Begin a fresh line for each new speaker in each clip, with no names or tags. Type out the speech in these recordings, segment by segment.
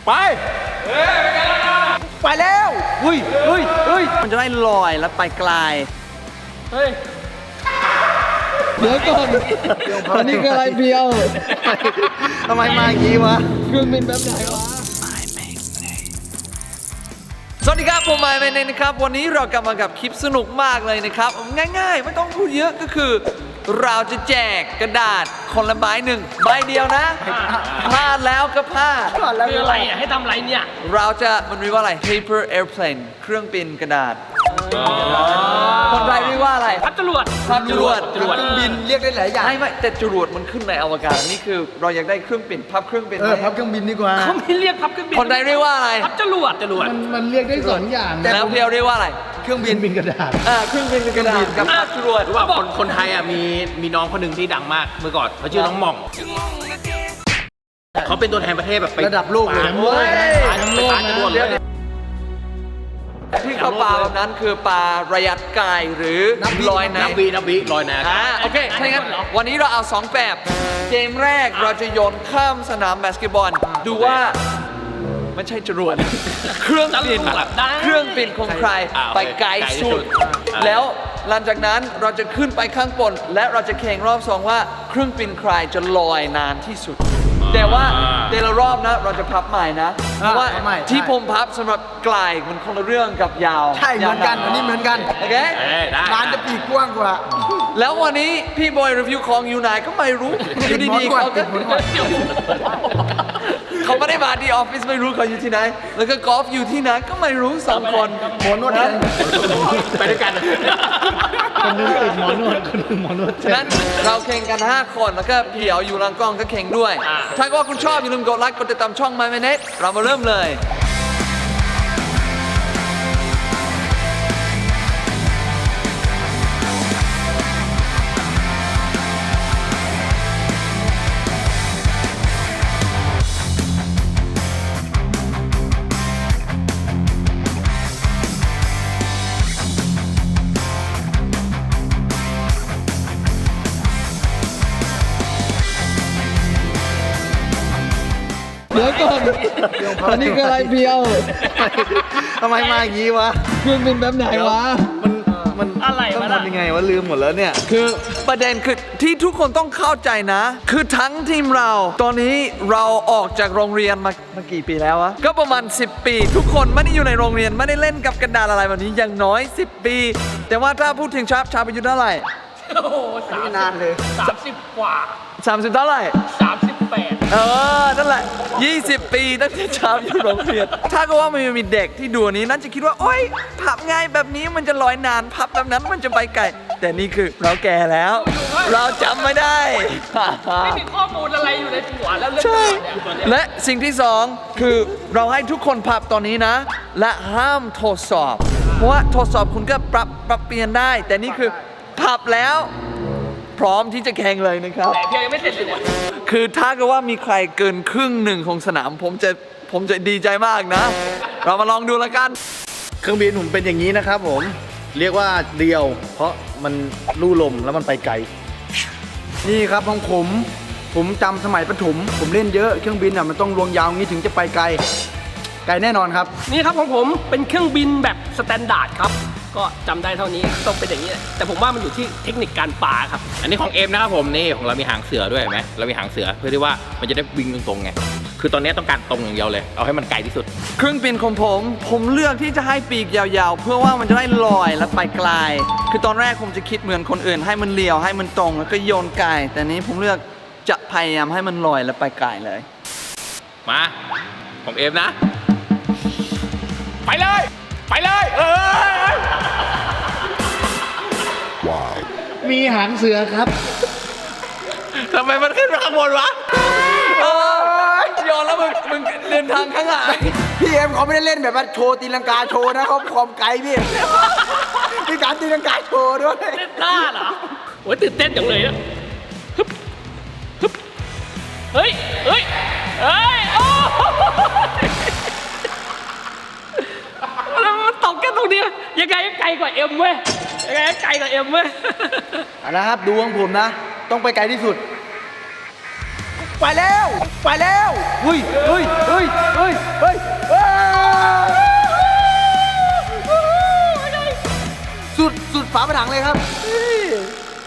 ไปไปแล้วเฮ้ย
มันจะได้ลอยแล้วไปไกล
เดี๋ยวก่อนอันนี้คืออะไรเพียวทำไมมาอย่างนี้วะเครื่องบินแบบไหนวะ
สวัสดีครับผมไมค์เมเนนะครับวันนี้เรากลับมากับคลิปสนุกมากเลยนะครับง่ายๆไม่ต้องพูดเยอะก็คือเราจะแจกกระดาษคนละใบหนึ่งใบเดียวนะพลาดแล้วก็พลาด
คืออะไรอ่ะให้ทำอะไรเนี่ย
เราจะมันเรียกว่าอะไร paper airplane เครื่องบินกระดาษคนไทยเรียกว่าอะไร
พับจรวด
เค
รื่องบินเรียกได้หลายอย่าง
ไม่แต่จรวดมันขึ้นในอวกาศนี่คือเราอยากได้เครื่องบินพับเครื่องบิน
พับเครื่องบินดีกว่า
เขาไม่เรียกพับเครื่องบิน
คนไทยเรียกว่าอะไร
พับจรวด
มันเรียกได้สองอย่าง
แล้วเพียวเรียกว่าอะไร
เครื่องบินกระดาษ
เครื่องบินกระดาษกับพับจรวด
ว่าคนไทยอ่ะมีน้องคนหนึ่งที่ดังมากเมื่อก่อนเขาชื่อน้องหม่องเขาเป็นตัวแทนประเทศแบบไประ
ดับโลกเลย
ทั้งโลกนะ
ที่เขาปลาแบบนั้นคือปลาระยะไกลหรือลอยน้ำ
นับวิลอยน้
ำโอเคถ้างั้นวันนี้เราเอา2แบบเกมแรกเราจะโยนข้ามสนามบาสเกตบอลดูว่าไม่ใช่จรวดเครื่องบินของใครไปไกลสุดแล้วหลังจากนั้นเราจะขึ้นไปข้างบนและเราจะแข่งรอบ2ว่าเครื่องบินใครจะลอยนานที่สุดแต่ว่าแต่ละรอบนะเราจะพับใหม่นะเพราะว่าที่ผมพับสำหรับไกลมันคนละเรื่องกับยาว
ใช่เหมือนกันอันนี้เหมือนกัน
โอเค
ร้านจะปีกกว้างกว่า
แล้ววันนี้พี่บอยรีวิวของอยู่ไหนก็ไม่รู้อยู่ดีๆเขาก็เขาไม่ได้มาที่ออฟฟิศไม่รู้เขาอยู่ที่ไหนแล้วก็กอล์ฟอยู่ที่ไหนก็ไม่รู้2คน
หมอนวด
ไปด้วยกัน
คนนึงติดหมอนวดคนนึงหมอนวด
นั้นเราแข่งกัน5คนแล้วก็เพียวอยู่หลังกล้องก็แข่งด้วยถ้าว่าคุณชอบอย่าลืมกดไลค์กดติดตามช่อง My Minute เรามาเริ่มเลย
เดี๋ยวก่อนอันนี้คืออะไรเพียวทำไมมาอย่างนี้วะเครื่องบินแบบไหนวะมัน
อะไรวะ
ต้องทำยังไงวะลืมหมดแล้วเนี่ย
คือประเด็นคือที่ทุกคนต้องเข้าใจนะคือทั้งทีมเราตอนนี้เราออกจากโรงเรียนมากี่ปีแล้ววะก็ประมาณ10 ปีทุกคนไม่ได้อยู่ในโรงเรียนไม่ได้เล่นกับกระดาษอะไรแบบนี้อย่างน้อย10 ปีแต่ว่าถ้าพูดถึงชาอายุเท่าไหร่
โอ้โห
นานเลย
30 กว่า
30เท่าไหร่
38
นั่นแหละ20 ปีตั้งแต่ชาอยู่โรงเรียนถ้าก็ว่ามันมีเด็กที่ดูนี้นั่นจะคิดว่าโอ๊ยพับง่ายแบบนี้มันจะลอยนานพับแบบนั้นมันจะไปไกลแต่นี่คือเราแก่แล้วเราจำไม่ได้
ไม่มีข้อมูลอะไรอยู่ในหัวแล้ว
ใช่และสิ่งที่2คือเราให้ทุกคนพับตอนนี้นะและห้ามทดสอบเพราะว่าทดสอบคุณก็ปรับเปลี่ยนได้แต่นี่คือพับแล้วพร้อมที่จะแข่งเลยนะครับ
แต่เพียงยังไม่เสร็จเลย
คือถ้าเกิดว่ามีใครเกินครึ่งหนึ่งของสนามผมจะดีใจมากนะเรามาลองดูแล้วกัน
เครื่องบินผมเป็นอย่างนี้นะครับผมเรียกว่าเดียวเพราะมันลู่ลมแล้วมันไปไกลนี่ครับของผมจำสมัยประถมผมเล่นเยอะเครื่องบินอ่ะมันต้องลวงยาวงี้ถึงจะไปไกลแน่นอนครับ
นี่ครับของผมเป็นเครื่องบินแบบสแตนดาร์ดครับก็จำได้เท่านี้ต้องเป็นอย่างนี้แต่ผมว่ามันอยู่ที่เทคนิคการปาครับ
อันนี้ของเอ็มนะครับผมนี่ของเรามีหางเสือด้วยไหมเรามีหางเสือเพื่อที่ว่ามันจะได้วิ่งตรงๆไงคือตอนนี้ต้องการตรงอย่างเดียวเลยเอาให้มันไกลที่สุด
เครื่องบินของผมเลือกที่จะให้ปีกยาวๆเพื่อว่ามันจะได้ลอยและไปไกลคือตอนแรกผมจะคิดเหมือนคนอื่นให้มันเลี้ยวให้มันตรงแล้วก็โยนไกลแต่นี้ผมเลือกจะพยายามให้มันลอยและไปไกลเลย
มาของเอ็มนะไปเลย
มีหางเสือครับ
ทำไมมันขึ้นมาข้างบนวะ
โยนแล้วมึงเดินทางข้างหลัง
พี่เอ็มเขาไม่ได้เล่นแบบว่าโชว์ตีลังกาโชว์นะเขาความไกลพี่มีการตีลังกาโชว์ด้วย
เล่นท่าเหรอโอ้ยตื่นเต้นจังเลยนะเฮ้ยโอ้แล้วมันตกแค่ตรงนี้ยังไงไกลกว่าเอ็มเว้ย
เอาละครับดูของผมนะต้องไปไกลที่สุดไปแล้วเฮ้ย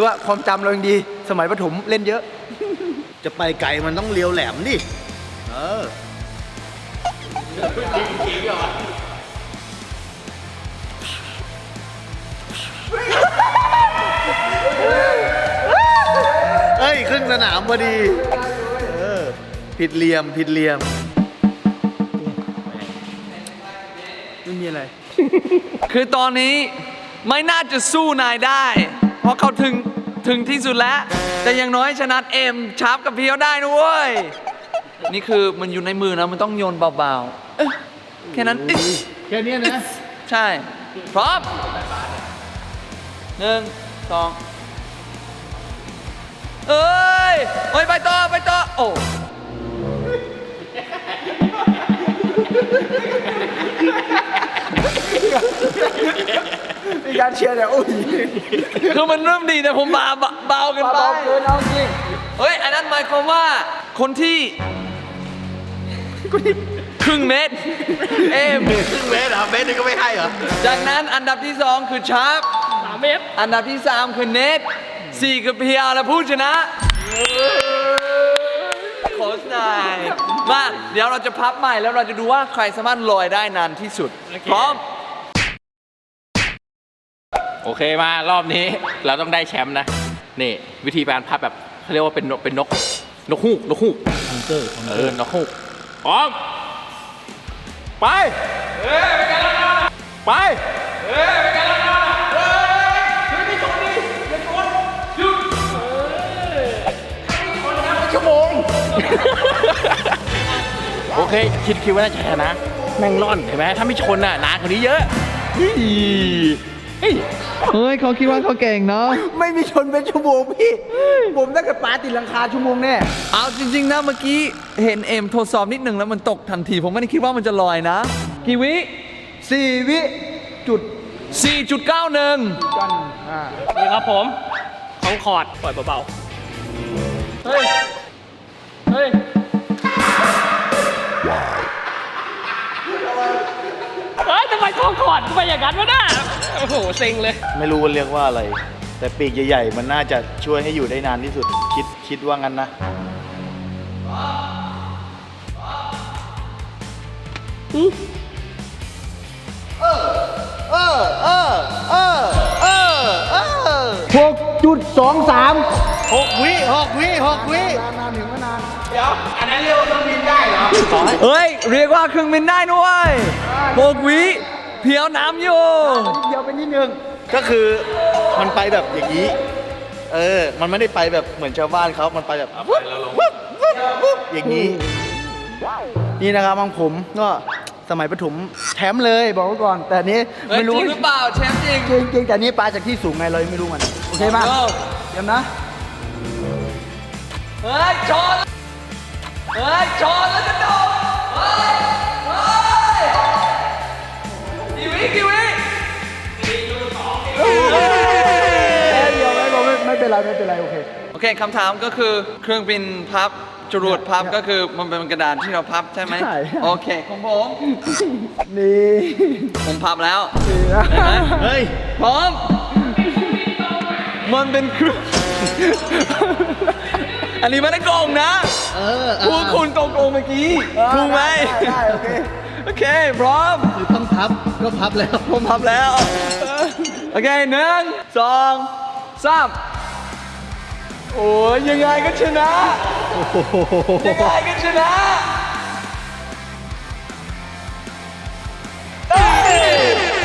รือว่าความจำเรายังดี สมัยประถมเล่นเยอะ จะไปไกลมันต้องเลี้ยวแหลมดิเฮ้ยครึ่งสนามพอดีผิดเหลี่ยมไม่มีอะไร
คือตอนนี้ไม่น่าจะสู้นายได้ เพราะเขาถึงที่สุดแล้ว แต่อย่างน้อยชนะเอ็มชาร์ปกับเพียวได้นะเว้ย นี่คือมันอยู่ในมือนะ มันต้องโยนเบาๆแค่นั้น
แค่นี้นะ
ใช่ พร้อม1 2เอ้ยไปต่อโอ้
มีการเชียร์เนี่ยโอ้ย
คือมันเริ่มดีแต่ผมเบาเกินไป
เบาเกินเอาจริง
เฮ้ย อันนั้นหมายความว่าคนที่ครึ่งเมตร เอ็ม
ครึ่งเมตรเหรอเมตรนึงก็ไม่ให้เหรอ
จากนั้นอันดับที่ 2 คือชาร์ป
3 เมตร
อันดับที่ 3 คือเนท4คือเพียวและผู้ชนะโค้ชนายมาเดี๋ยวเราจะพับใหม่แล้วเราจะดูว่าใครสามารถลอยได้นานที่สุด พร้อม
โอเคมารอบนี้เราต้องได้แชมป์นะนี่วิธีการพับแบบเขาเรียกว่าเป็นนกฮูกนกฮูกนกฮูกพร้อมไปไปชั่วโมงโอเคคิดว่าน่าจะชนะแม่งร่อนเห็นไหมถ้าไม่ชนน่ะนานกว่านี้เยอะเฮ้ย
เขาคิดว่าเขาเก่งเนาะ
ไม่มีชนเป็นชั่วโมงพี่ ผมถ้าเกิดปาติดหลังคาชั่วโมงแน่
เอาจริงๆนะเมื่อกี้เห็นเอ็มทดสอบนิดหนึ่งแล้วมันตกทันที ผมไม่ได้คิดว่ามันจะลอยนะ กี่วิ
4 วิจุด
4.91
กัน
นี่ครับผมของคอร์ดปล่อยเบาๆ เฮ้ย เฮ้ยทำไมท้องคอร์ดทำไมอย่างนั้นวะน่ะโอ้โหเซ็งเลย
ไม่รู้ว่าเรียกว่าอะไร แต่ปีกใหญ่ๆ มันน่าจะช่วยให้อยู่ได้นานที่สุด คิดว่างั้นนะ 6 วินานถึงไม่นาน
เฮ้ย เรียกว่าเครื่องบินได้ด้วย6 วิเพียวน้ำอยู่
เดียวไปนิดนึง ก็คือมันไปแบบอย่างนี้ มันไม่ได้ไปแบบเหมือนชาวบ้านเขามันไปแบบวุ๊บอย่างนี้ นี่นะครับของผมก็สมัยประถมแชมป์เลยบอกไว้ก่อน แต่อันนี้
เฮ้ย
ไม่รู้
จริงหรือเปล่าแชมป์จริง
จริงแต่อันนี้ปลาจากที่สูงไงเรายังไม่รู้มันโอเคมาเดี๋ยวนะ
เฮ้ยชนแล้วจะโดดเฮ้ยกี่วิ
เดี๋ยวไม่เป็นไรโอเค
โอเคคำถามก็คือเครื่องบินพับจรวดพับก็คือมันเป็นกระดาษที่เราพับใช่ไหม
ใช่
โอเคของผม
นี่
ผมพับแล้ว
นะ
เห็นไหม
เฮ้ย
พร้อมมันเป็นเครื่อง อันนี้ไม่ได้โกงนะพวกคุณโกงเมื่อกี้ถูกไหม
ได้โอเค
โอเคพร้อม
คือต้องพับก็พับแล้ว
ผมพับแล้ว โอเค1 2 3โอ้ยยังไงก็ชนะยังไงก็ชนะเอ้ย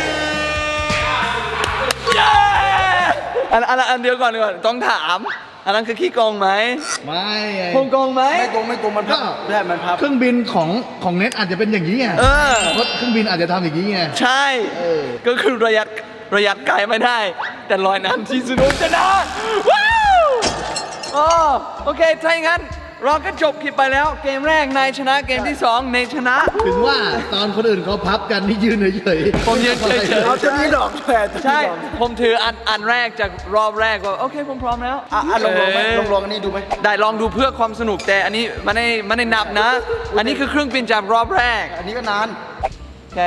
เย้อันเดียวก่อนดีกว่าต้องถาม อันนั้นคือขี้โกงไหม
ไม่
ผมโกงไหม
ไม่โกงมันพับได้มันพับเครื่องบินของเน็ตอาจจะเป็นอย่างนี้ไง
เออ
เพราะเครื่องบินอาจจะทำอย่างนี้ไง
ใช่ ก็คือระยะไกลไม่ได้ แต่ลอยน้ำที่สุดชนะว้าวโอเคถ้าอย่างนั้นเราก็จบคลิปไปแล้ว เกมแรกนายชนะเกมที่2นายชนะ
ถึงว่าตอนคนอื่นเขาพับกันนี่ยืนเฉยๆ
ผมยืนเฉยๆ
เอาจะมีดอกแผล
ใช่ ผมถืออันแรกจากรอบแรกว่าโอเคผมพร้อมแล้ว
ลองไหมลองอันนี้ดูไหม
ได้ลองดูเพื่อความสนุกแต่อันนี้ไม่ได้นับนะ อันนี้คือเครื่องบินจากรอบแรก
อันนี้ก็นาน
โอเค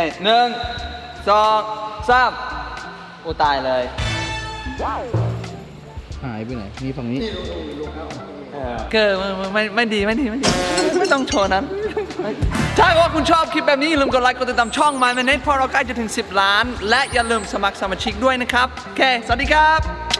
1 2 3โอ้ตายเลย
หายไปไหน มีฝั่งนี้
เกิดไม่ดีไม่ต้องโชว์นั้น ถ้าว่าคุณชอบคลิปแบบนี้อย่าลืมกดไลค์กดติดตามช่อง My Minute เพราะเราใกล้จะถึง10 ล้าน และอย่าลืมสมัครสมาชิกด้วยนะครับ โอเค สวัสดีครับ